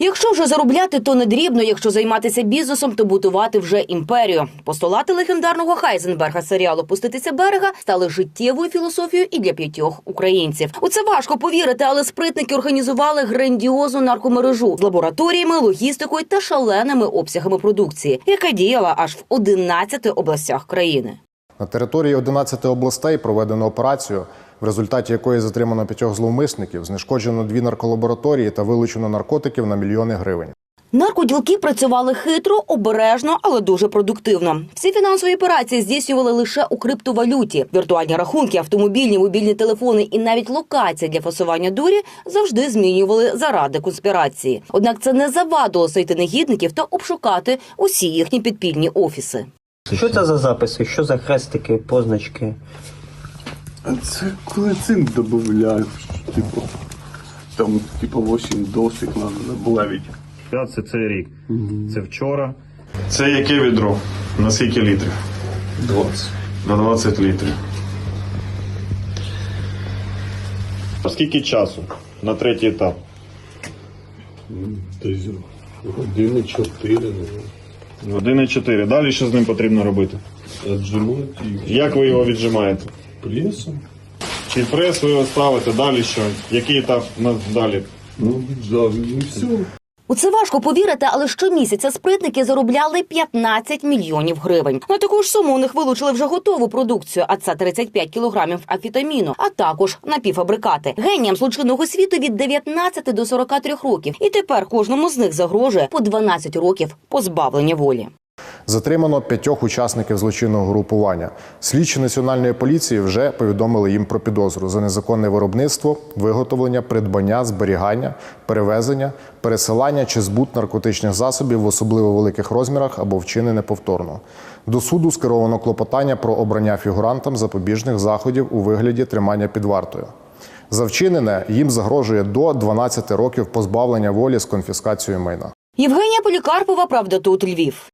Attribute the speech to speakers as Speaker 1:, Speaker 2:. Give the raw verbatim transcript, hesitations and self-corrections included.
Speaker 1: Якщо вже заробляти, то не дрібно. Якщо займатися бізнесом, то будувати вже імперію. Постулати легендарного Хайзенберга серіалу «Пуститися берега» стали життєвою філософією і для п'ятьох українців. У це важко повірити, але спритники організували грандіозну наркомережу з лабораторіями, логістикою та шаленими обсягами продукції, яка діяла аж в одинадцяти областях країни.
Speaker 2: На території одинадцяти областей проведено операцію, в результаті якої затримано п'ятьох зловмисників, знешкоджено дві нарколабораторії та вилучено наркотиків на мільйони гривень.
Speaker 1: Наркоділки працювали хитро, обережно, але дуже продуктивно. Всі фінансові операції здійснювали лише у криптовалюті. Віртуальні рахунки, автомобільні, мобільні телефони і навіть локації для фасування дурі завжди змінювали заради конспірації. Однак це не завадило знайти негідників та обшукати усі їхні підпільні офіси.
Speaker 3: Що це за записи? Що за хрестики, позначки?
Speaker 4: Це коли цинк додають, типу, там, типу, вісім досик треба добавити.
Speaker 5: Це цей рік. Це вчора. Це яке відро? На скільки літрів?
Speaker 4: двадцять.
Speaker 5: На двадцять літрів. А скільки часу на третій етап?
Speaker 4: Десь години чотири.
Speaker 5: Години чотири. Далі що з ним потрібно робити?
Speaker 4: Віджимати і
Speaker 5: Як ви його віджимаєте?
Speaker 4: пресом.
Speaker 5: Чи прес ви його ставите? Далі що? Який етап на- далі?
Speaker 4: Ну, віджав, і все.
Speaker 1: У це важко повірити, але щомісяця спритники заробляли п'ятнадцять мільйонів гривень. На таку ж суму у них вилучили вже готову продукцію, а це тридцять п'ять кілограмів амфетаміну, а також напівфабрикати. Геніям злочинного світу від дев'ятнадцяти до сорока трьох років. І тепер кожному з них загрожує по дванадцять років позбавлення волі.
Speaker 2: Затримано п'ятьох учасників злочинного групування. Слідчі Національної поліції вже повідомили їм про підозру за незаконне виробництво, виготовлення, придбання, зберігання, перевезення, пересилання чи збут наркотичних засобів в особливо великих розмірах або вчинене повторно. До суду скеровано клопотання про обрання фігурантам запобіжних заходів у вигляді тримання під вартою. За вчинене їм загрожує до дванадцяти років позбавлення волі з конфіскацією майна.
Speaker 1: Євгенія Полікарпова, «Правда тут», Львів.